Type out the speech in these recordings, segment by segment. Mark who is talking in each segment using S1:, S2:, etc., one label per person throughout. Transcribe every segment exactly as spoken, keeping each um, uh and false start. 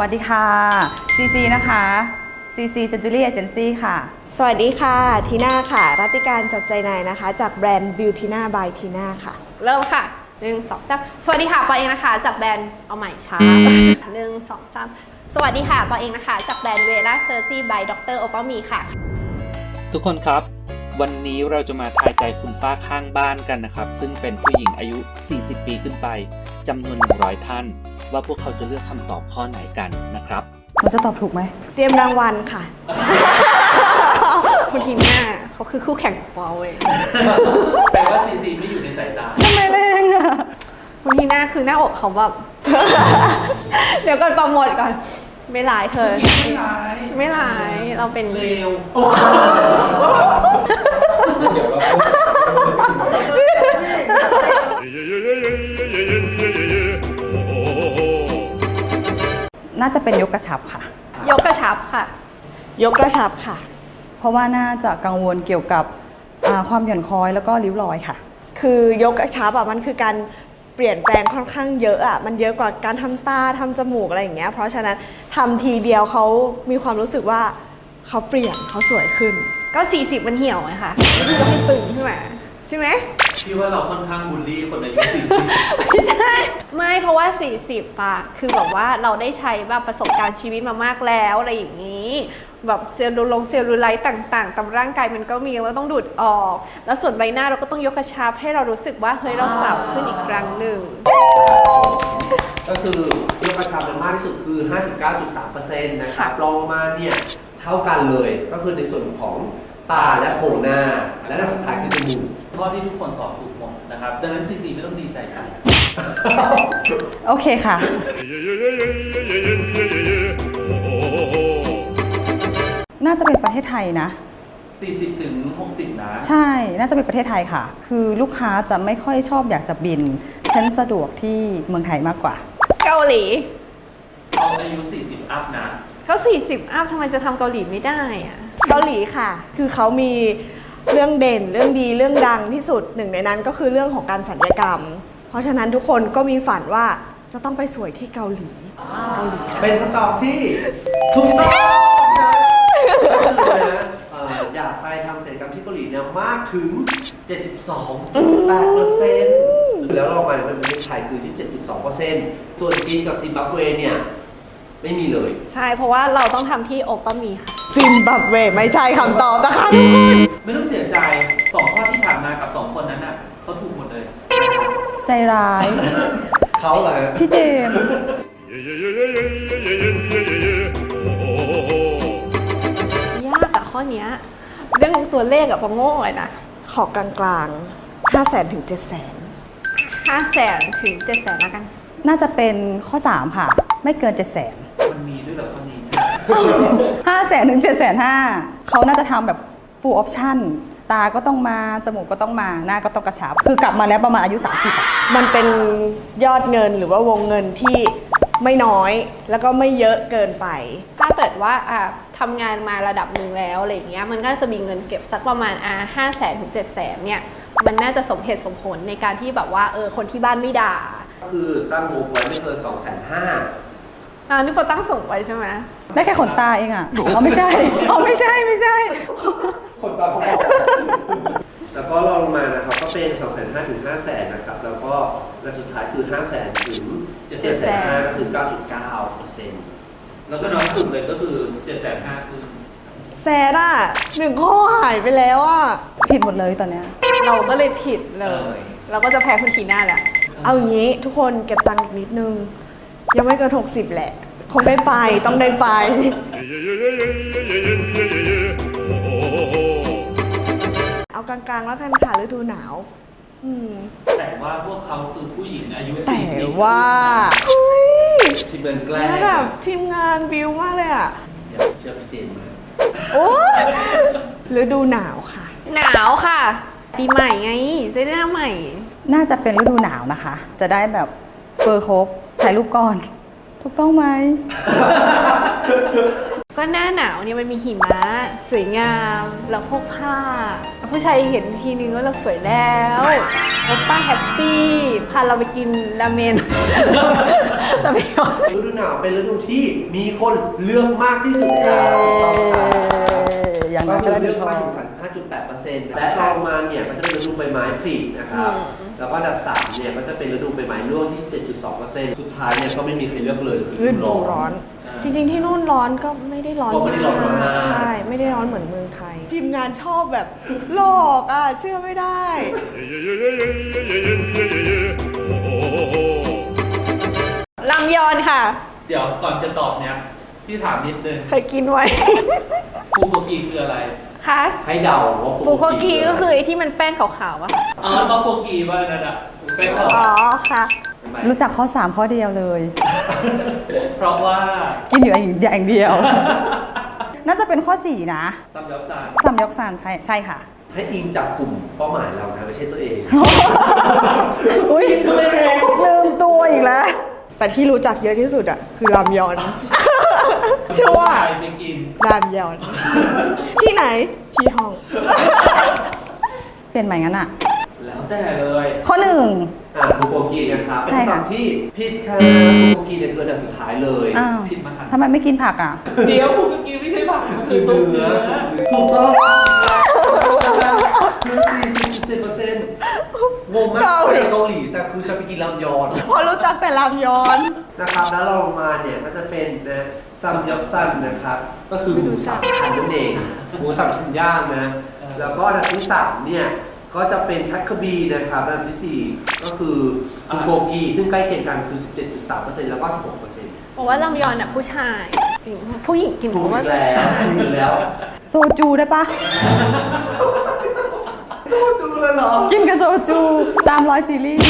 S1: วัสดีค่ะ ซี ซี นะคะ ซี ซี Century Agency ค่ะ
S2: สวัสดีค่ะทีน่าค่ะรัติการจับใจนายนะคะจากแบรนด์ Beautyna by ทีน่าค่ะ
S3: เริ่มค่ะหนึ่งสองสามสวัสดีค่ะปอเองนะคะจากแบรนด์เอาใหม่ช้าหนึ่งสองสามสวัสดีค่ะปอเองนะคะจากแบรนด์เวล่าเซอร์จี by ดรโอปามีค่ะ
S4: ทุกคนครับวันนี้เราจะมาทายใจคุณป้าข้างบ้านกันนะครับซึ่งเป็นผู้หญิงอายุสี่สิบปีขึ้นไปจำนวนหนึ่งร้อยท่านว่าพวกเขาจะเลือกคำตอบข้อไหนกันนะครับ
S1: มันจะตอบถูกไหม
S2: เตรียมรางวัลค่ะ
S3: คุณทีน่าเขาคือคู่แข่งของปอเว้ย
S5: แปลว่าซีซีไม่อยู่ในสายตา
S1: ทำไมแรงอ่ะ
S3: คุณทีน่าคือหน้าอกเขาแบบ เดี๋ยวก่อนโปรโมทก่อนไม่ร้ายเธอ
S5: ไม่ร้าย
S3: ไม่ร้ายเราเป็น
S5: เลวเดี๋ยวเรา
S1: น่าจะเป็นยกกระชับค่ะ
S3: ยกกระชับค่ะ
S2: ยกกระชับค่ะ
S1: เพราะว่าน่าจะกังวลเกี่ยวกับความหย่อนคล้อยแล้วก็ริ้วรอยค่ะ
S2: คือยกกระชับอ่ะมันคือการเปลี่ยนแปลงค่อนข้างเยอะอ่ะมันเยอะกว่าการทำตาทำจมูกอะไรอย่างเงี้ยเพราะฉะนั้นทำทีเดียวเขามีความรู้สึกว่าเขาเปลี่ยนเขาสวยขึ้น
S3: ก็สี่สิบมันเหี่ยวไงค่ะนี่ก็ให้ตึงขึ้นมาใช่ไหม
S5: พี่ว่าเราค่อนข้างบูลลี่คนอายุสี่สิบ
S3: ไม่ใช่ไม่เพราะว่าสี่สิบอะคือแบบว่าเราได้ใช้แบบประสบการณ์ชีวิตมามากแล้วอะไรอย่างนี้แบบเซลลูลงเซลลูไลท์ต่างๆตามร่างกายมันก็มีเราต้องดูดออกแล้วส่วนใบหน้าเราก็ต้องยกกระชับให้เรารู้สึกว่าเฮ้ยเราสาวขึ้นอีกครั้งหนึ่ง
S6: ก็คือยกกระชับมากที่สุดคือ ห้าสิบเก้าจุดสามเปอร์เซ็นต์ นะครับรองมาเนี่ยเท่ากันเลยก็คือในส่วนของตาและโครงหน้าและสุดท้ายคือจมูก
S5: ข้อที่ทุกคนตอบถูกหมดนะครับดังนั้นซีซีไม่ต้องดีใจกัน
S1: โอเคค่ะน่าจะเป็นประเทศไทยนะ
S5: สี่สิบถึงหกสิบนะ
S1: ใช่น่าจะเป็นประเทศไทยค่ะคือลูกค้าจะไม่ค่อยชอบอยากจะบินฉันสะดวกที่เมืองไทยมากกว่า
S3: เกาหลี
S5: เขาอายุสี่สิบอัพนะ
S3: เขาสี่สิบอัพทำไมจะทำเกาหลีไม่ได้อะ
S2: เกาหลีค่ะคือเขามีเรื่องเด่นเรื่องดีเรื่องดังที่สุดหนึ่งในนั้นก็คือเรื่องของการศัลยกรรมเพราะฉะนั้นทุกคนก็มีฝันว่าจะต้องไปสวยที่เกาหลีเกาหลี
S6: เป็นคำตอบที่ถูกต้องนะอยากไปทำศัลยกรรมที่เกาหลีเนี่ยมากถึง เจ็ดสิบสองจุดแปดเปอร์เซ็นต์ แล้วเราไปเป็นประเทศไทยคือที่ เจ็ดสิบสองเปอร์เซ็นต์ ส่วนจีนกับซิมบับเวเนี่ยไม่มีเลย
S3: ใช่เพราะว่าเราต้องทำที่โอปามีค่ะ
S2: ซิมบับเวไม่ใช่คำตอบนะคะทุกคน
S5: ไม่ต้องเสียใจสองข้อที่ผ่านมากับสองคนนั้นน่ะเขาถูกหมดเลย
S1: ใจร้าย
S6: เขาเหรอ
S1: พี่เจมส์
S3: ยากอะข้อนี้เรื่องตัวเลขอะพอโง่เลยนะ
S2: ขอกลางๆห้าแสนถึงเจ็ดแสน
S3: ห้าแสนถึงเจ็ดแสนแล้วกัน
S1: น่าจะเป็นข้อสามค่ะไม่เกินเจ็ดแสน
S5: มันมีด้วยเหรอข้อนี้
S1: ห้าแสนถึงเจ็ดแสนห้าเขาน่าจะทำแบบ full option ตาก็ต้องมาจมูกก็ต้องมาหน้าก็ต้องกระชับคือกลับมาแล้วประมาณอายุสามสิบ
S2: มันเป็นยอดเงินหรือว่าวงเงินที่ไม่น้อยแล้วก็ไม่เยอะเกินไป
S3: ถ้าเกิดว่าอ่ะทำงานมาระดับหนึ่งแล้วอะไรอย่างเงี้ยมันก็จะมีเงินเก็บสักประมาณอ่ะห้าแสนถึงเจ็ดแสนเนี่ยมันน่าจะสมเหตุสมผลในการที่แบบว่าเออคนที่บ้านไม่ด่า
S6: คือตั้งงบไว้ไม่เกินสองแสนห้า
S3: อ่านี่พอตั้งส่งไว้ใช่ไหม
S1: ได้แค่ขนตาเองอ่ะอ๋อไม่ใช่อ๋อไม่ใช่ไม่ใช่
S6: ขนตาพอแล้วก็รองลงมานะครับก็เป็นสองแสนห้าถึงห้าแสนนะครับแล้วก็และสุดท้ายคือห้าแสนถึงเจ็ดแสนห้าก็คือเก้าจุดเก้าเปอร์เซ็นต์
S5: แล้วก็น้อยสุดเลยก็คือเจ็ดแสนห้าคือ
S2: แสนอ่ะหนึ่งข้อหายไปแล้วอ่ะ
S1: ผิดหมดเลยตอนเนี้ย
S3: เราก็เลยผิดเลยเราก็จะแพ้คุณทีน่าแหละ
S2: เอาอย่างนี้ทุกคนเก็บตังค์อีกนิดนึงยังไม่เกินหกสิบแหละคงได้ไปต้องได้ไปเอากลางๆแล้วกันค่ะฤดูหนาว
S5: แต่ว่าพวกเขาคือผู้หญิงอายุ
S2: แต่ว่าเฮ้ย
S6: ทีมงานแกล้ง
S2: ระดับทีมงานบิวมากเลยอ่ะ
S6: อย่าเชื่อพี่เจนมา
S2: โอ้ฤดูหนาวค่ะ
S3: หนาวค่ะปีใหม่ไงจะได้หน้าใหม่
S1: น่าจะเป็นฤดูหนาวนะคะจะได้แบบเฟอร์ครบถ่ายรูปก่อนถูกต้องไหม
S3: ก็ก็หน้าหนาวเนี่ยมันมีหิมะสวยงามแล้วพวกผ้าผู้ชายเห็นทีนึงว่าเราสวยแล้วโอป้าแฮปปี้พาเราไปกินราเมน ราเมน
S6: ฤดูหนาวเป็นฤดูที่มีคนเลือกมากที่สุดครับถูกต้องครับ
S1: อย่าง
S6: ก็
S1: นั้น
S6: คือ
S1: ก็
S6: เลื
S1: ดี
S6: อก
S1: พอ
S6: มากถึงห้าจุดแปดเปอร์เซ็นต์และรองมาเนี่ยก็จะเป็นฤดูใบไม้ผลินะครับ แล้วก็อันดับสามเนี่ยก็จะเป็นฤดูใบไม้ร่วง ยี่สิบเจ็ดจุดสองเปอร์เซ็นต์ สุดท้ายเนี่ยก็ไม่มีใครเลือกเลยคือ
S2: ฤดูร้อน จริงๆที่นู่นร้อนก็ไม่ได้ร้อน
S6: ก็ไม่ได้ร้อนมาก
S2: ใช่ ไม่ได้ร้อนเหมือนเมืองไทย ทีมงานชอบแบบหลอกอ่ะ เชื่อไม่ได้
S3: ลำยอนค่ะ
S5: เดี๋ยวก่อนจะตอบเนี่ยพี่ถามนิดนึง
S2: เคยกินไว้
S5: ฟูโกกีคืออะไร
S3: คะ
S6: ให้เดาว่า
S3: บุโคกีก็คือไอ้ที่มันแป้งขาวๆอะ
S5: อ๋อต้องโกกีว่านั่นอ่ะเป็นเพราะ
S2: อ๋อค่ะ
S1: รู้จักข้อสามข้อเดียวเลย
S5: เพราะว่า
S1: กินอยู่อย่างเดียว น่าจะเป็นข้อสี่นะ
S5: ซัมยับซาน
S1: ซัมยอกซานใช่ใช่ค่ะ
S6: ให้อิงจากกลุ่มเป้าหมายเรานะไม่ใช่ตัวเอง
S1: อุ้ยลืมตัวอีกแล้ว
S2: แต่ที่รู้จักเยอะที่สุดอ่ะ คือรามยอน ชัวร์
S5: ใครไปกิน
S2: รามยอน ที่ไหน ที่ห้อง
S1: เปลี่ยนใหม่งั้นอ่ะ
S5: แล้วแต่เลย
S1: ข้อหนึ่ง
S6: อ่าบูโกกีนะครับเป็น
S1: ใช่ค่ะ
S6: คำที่ผิดค่ะบูโกกีเนี่ยคืออันดับสุดท้ายเลย
S1: อ้าว
S5: ผิดมาหัน
S1: ทำไมไม่กินผักอ่ะ
S5: เดี๋ยวฟูโกกีไม่ใช่ผักมันคือซุปเนื้อ
S6: ถูกต้องคือ สี่สิบจุดเจ็ดเปอร์เซ็นต์ งงมากไปเกาหลีแต่คือจะไปกินรามยอน
S2: พอรู้จักแต่รามยอน
S6: นะครับแล้วเราลงมาเนี่ยก็จะเป็นนะซัมยับซันนะครับ ก็คือหมูสามชั้นนั่นเองหมูสามชั้นย่างนะแล้วก็อันดับที่สามเนี่ยก็จะเป็นทัคคบีนะครับอันดับที่สี่ก็คือบูโกกีซึ่งใกล้เคียงกันคือ สิบเจ็ดจุดสามเปอร์เซ็นต์ แล้วก็ สิบหกเปอร์เซ็นต์
S3: บอกว่าลำยอนน่ะผู้ชายจริงผู้หญิงกิน
S6: ถู
S3: บ
S6: ก
S3: อกว่า
S6: อีกแล้วถูกอีกแล้ว
S1: โซจูได้ปะ
S6: ถูกเลยเหรอ
S1: กินกับโซจูตามร้อยซีรีส์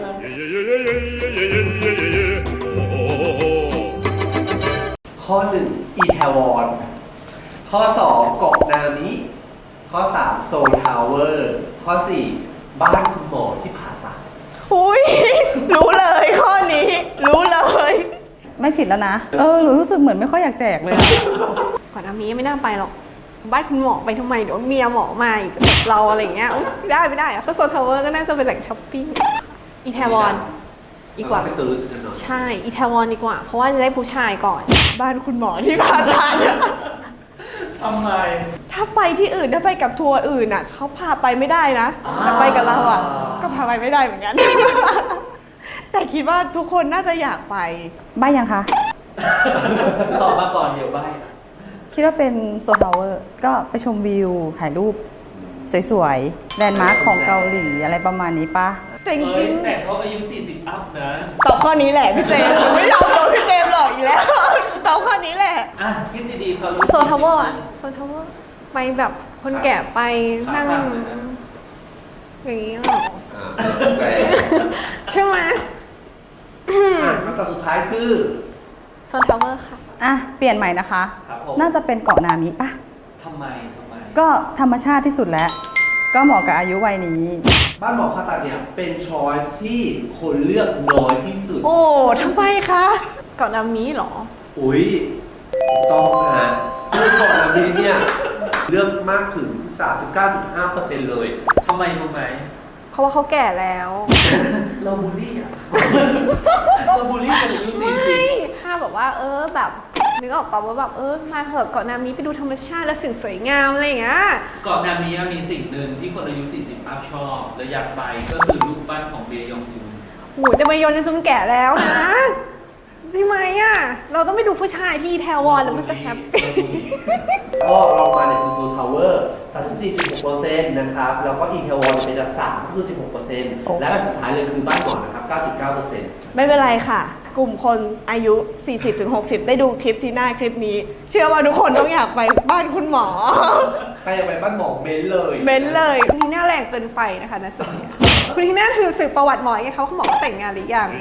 S6: ข้อหนึ่งอีแทวอนข้อสองเกาะนามิข้อสามโซลทาวเวอร์ข้อสี่บ้านคุณหมอที่ผ่าตัด
S2: อุ้ย รู้เลยข้อนี้ รู้เลย
S1: ไม่ผิดแล้วนะ เออหนูรู้สึกเหมือนไม่ค่อยอยากแจกเลยอะ
S3: ก่อนหน้านี้ไม่น่าไปหรอกบ้านคุณหมอไปทำไมเดี๋ยวเมียหมอมาอีกแบบเราอะไรอย่างเงี้ยอุ๊ยไม่ได้ไม่ได้อะก็โซนทาวเวอร์ก็น่าจะเป็นแหล่งช้อปปิ้งอีแทวอนดีกว่า
S6: ไปตื่นกันหน่อย
S3: ใช่อีแทวอนดีกว่า เพราะว่าจะได้ผู้ชายก่อน
S2: บ้านคุณหมอที่ผ่าตัดอะ
S5: ทำไม
S2: ถ้าไปที่อื่นถ้าไปกับทัวร์อื่นอ่ะเขาพาไปไม่ได้นะแต่ไปกับเราอ่ะ ก็พาไปไม่ได้เหมือน กัน แต่คิดว่าทุกคนน่าจะอยากไป
S1: ใบยังคะ
S5: ตอบมาก่อนเดี๋ยวใบ
S1: คิดว่าเป็นโซทาวเวอร์ ก็ไปชมวิว ถ่ายรูป สวยๆ แลนด์มาร์คของเกาหลีอะไรประมาณนี้ปะ
S2: แต่จ
S5: เอ้
S2: ริ
S5: ย
S2: ง
S5: แต่เขาอายุ สี่สิบ อัพนะ
S2: ๆตอบข้อนี้แหละพี่เจมส์ไม่ยอมตอบพี่เจมส์หรอกอีกแล้ว ตอบข้อนี้แหละ
S5: อ่ะ คิดดีๆเขาอายุ
S3: โซนทาวเวอร์อะโซนทาวเวอร์ไปแบบคนแก่ไปนั่ง
S5: ขาสั้นเลยนะ
S3: อย่างนี้หรอ
S6: อ่าใจ
S3: ใช่ไหม
S6: อ่ะคำตอบสุดท้ายคือ
S3: โซนทาวเวอร์ค่ะ
S1: อ่ะ เปลี่ยนใหม่นะคะ
S5: ครับผม
S1: น่าจะเป็นเกาะนามิปะ
S5: ทำไมทำไม
S1: ก็ธรรมชาติที่สุดแล้ว ก็เหมาะกับอายุวัยนี้
S6: บ้านหมอผ่าตัดเนี่ยเป็นช้อยที่คนเลือกน้อยที่สุด
S2: โอ้ทำไมคะ
S3: เกาะนามิเหรอ
S6: อุ้ยถูกต้องนะคือก่อนหน้านี้เนี่ยเลือกมากถึง สามสิบเก้าจุดห้าเปอร์เซ็นต์ เลย
S5: ทำไมรู้ไหม
S3: เพราะว่าเขาแก่แล้ว
S5: เราบูลลี่อ่ะ เราบูลลี่คนอายุสี่สิบ
S3: ไม่ถ้าแบบว่า เออแบบนึกออกป่าว่าแบบเออมาเถอะเกาะนามิไปดูธรรมชาติและสิ่งสวยงามอะไรอย่างเงี้ย
S5: ก่อนหน้านี้มีสิ่งหนึ่งที่คนอายุ สี่สิบ อัพชอบและอยากไปก็คือรูปปั้นของเบยองจุน
S3: โหจะมาโยนจนแก่แล้วนะใช่ไหมอ่ะ เราต้องไปดูผู้ชายที่แทวอนแล้วมันจะแฮปปี้
S6: ก็ลองมาเนี่ยคือซูทาวเวอร์ สามสิบสี่จุดหกเปอร์เซ็นต์ นะครับ แล้วก็อีเทวอนเป็นอันดับสามก็คือ สิบหกเปอร์เซ็นต์ และอันสุดท้ายเลยคือบ้านหมอนะครับ เก้าจุดเก้าเปอร์เซ็นต์
S2: ไม่เป็นไรค่ะ กลุ่มคนอายุ สี่สิบถึงหกสิบ ได้ดูคลิปที่หน้าคลิปนี้ เชื่อว่าทุกคนต้องอยากไปบ้านคุณหมอ
S6: ใครอยากไปบ้านหมอเม้นเลย
S2: เม้นเลย
S3: คุณทีน่าแรงเกินไปนะคะนะจุดเนี้ยคุณทีน่าคือสืบประวัติหมอไงเขาเขาบอกว่าแต่งงานหรือยัง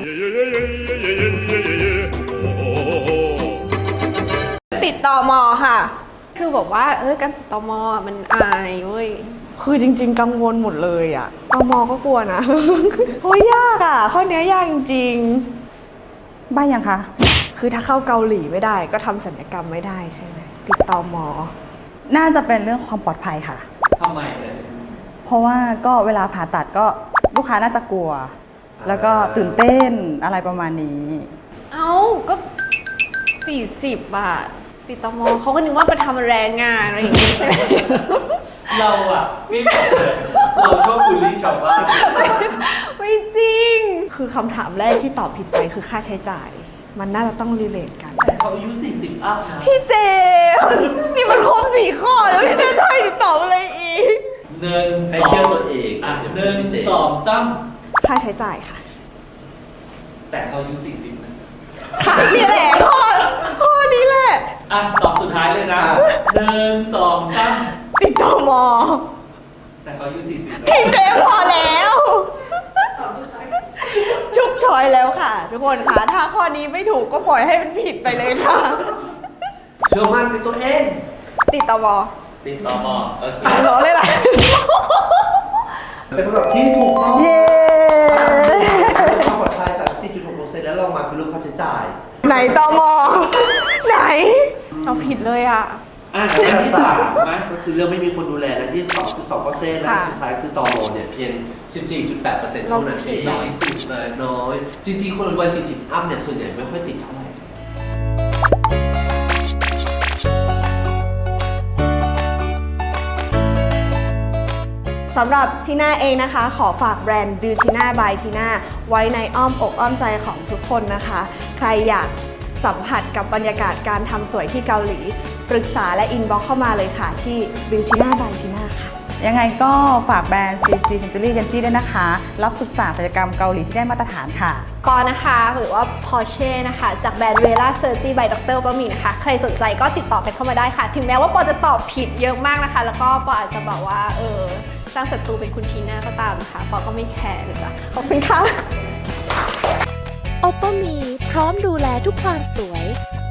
S3: ติดต่อมอค่ะ คือบอกว่าเออการติดต่อมอมันอายเว้ย
S2: คือจริง ๆ กังวลหมดเลยอ่ะตมก็กลัวนะ โอ้ยยากอ่ะ ข้อเนี้ยยากจริง
S1: ใบยังคะ
S2: ๆ คือถ้าเข้าเกาหลีไม่ได้ก็ทำศัลยกรรมไม่ได้ใช่ไหมติดต่อหมอ
S1: น่าจะเป็นเรื่องความปลอดภัยค่ะ
S5: ทำไมเลย
S1: เพราะว่าก็เวลาผ่าตัดก็ลูกค้าน่าจะกลัว แล้วก็ตื่นเต้นอะไรประมาณนี้
S3: เอ้าก็สี่สิบบาทติดต่อมอเขาก็นึกว่าไปทำแรงงานอะไรอย่างงี้ใช่ไหม
S5: เราอ่ะพี่บอกเลยเราชอบบูลลี่ชาวบ้าน
S3: ไม่จริง
S2: คือคำถามแรกที่ตอบผิดไปคือค่าใช้จ่าย มันน่าจะต้องรีเลทกัน
S5: แต่เขาอายุสี่สิบอัพนะ
S2: พี่เจนี่มันครบสี่ข้อแล้วพี่เจจะให้หนูตอบอะไรอีก
S5: หนึ่ง
S6: ให้
S5: สอ
S6: เชื่อง ตัวเอง
S5: อ่ะ
S6: อย่า
S5: ห
S6: ไปเชื่
S5: นึ่
S6: อง พี่เจ
S5: สองสาม
S2: ค่าใช้จ่ายค่ะ
S5: แต่เขาอายุสี่สิบนะ
S2: ค่ะนี่แหละข้อข้อนี้แหละ
S5: อ่ะตอบสุดท้ายเลยนะหนึ่งสองสาม
S2: ติดต่อหมอ
S5: แต่เขาอายุสี่สิบนะ
S2: พี่เจพอแล้วชุกชอยแล้วค่ะ ทุกคนค่ะถ้าข้อนี้ไม่ถูกก็ปล่อยให้มันผิดไปเลยค่ะ
S6: เชื่อมั่นในตัวเอง
S3: ติดต่อมอ
S5: ติดต่อหมอโอเค
S2: รอเลยล่ะ
S6: เป็นคำตอบที่ถูกต้อง
S1: เย้
S6: ความปลอดภัยแต่สี่จุดหกเปอร์เซ็นต์แล้วลองมาคือเรื่องค่าใช้จ่าย
S2: ไหนตอมอไหน
S3: เราผิดเลยอ่ะ
S5: อ่ะอันที่สามนะ
S6: ก็คือเรื่องไม่มีคนดูแลและยี่สิบสองจุดสองเปอร์เซ็นต์และ
S2: ค่ะ
S6: สุดท้ายคือตอโมเนี่ยเพียง สิบสี่จุดแปดเปอร์เซ็นต์
S3: เรา
S6: เท่านั้น
S3: ผิ
S6: เอ
S3: ด
S6: ง
S5: น้อยสุดเลย
S6: น้อย จริงๆ คนวัยสี่สิบอัพเนี่ยส่วนใหญ่ไม่ค่อยติดเท่าไหร่
S2: สำหรับทีน่าเองนะคะ ขอฝากแบรนด์ Beautyna by Tina ไว้ในอ้อมอกอ้อมใจของทุกคนนะคะ ใครอยากสัมผัสกับบรรยากาศการทำสวยที่เกาหลี ปรึกษาและอินบ็อกเข้ามาเลยค่ะที่ Beautyna by Tina ค่ะ
S1: ยังไงก็ฝากแบรนด์ ซี ซี Century Genji ด้วยนะคะ รับปรึกษาศัลยกรรมเกาหลีที่ได้มาตรฐานค่ะ
S3: ปอนะคะหรือว่า Porsche นะคะ จากแบรนด์ Vela Surgery by ดรก็มีนะคะ ใครสนใจก็ติดต่อกันเข้ามาได้ค่ะ ถึงแม้ว่าปอจะตอบผิดเยอะมากนะคะ แล้วก็ปออาจจะบอกว่าเออสร้างศัตรูเป็นคุณทีน่าก็ตามนะคะปอก็ไม่แคร์เลยจ้ะขอบคุณค่ะ
S7: โอปป้ามีพร้อมดูแลทุกความสวย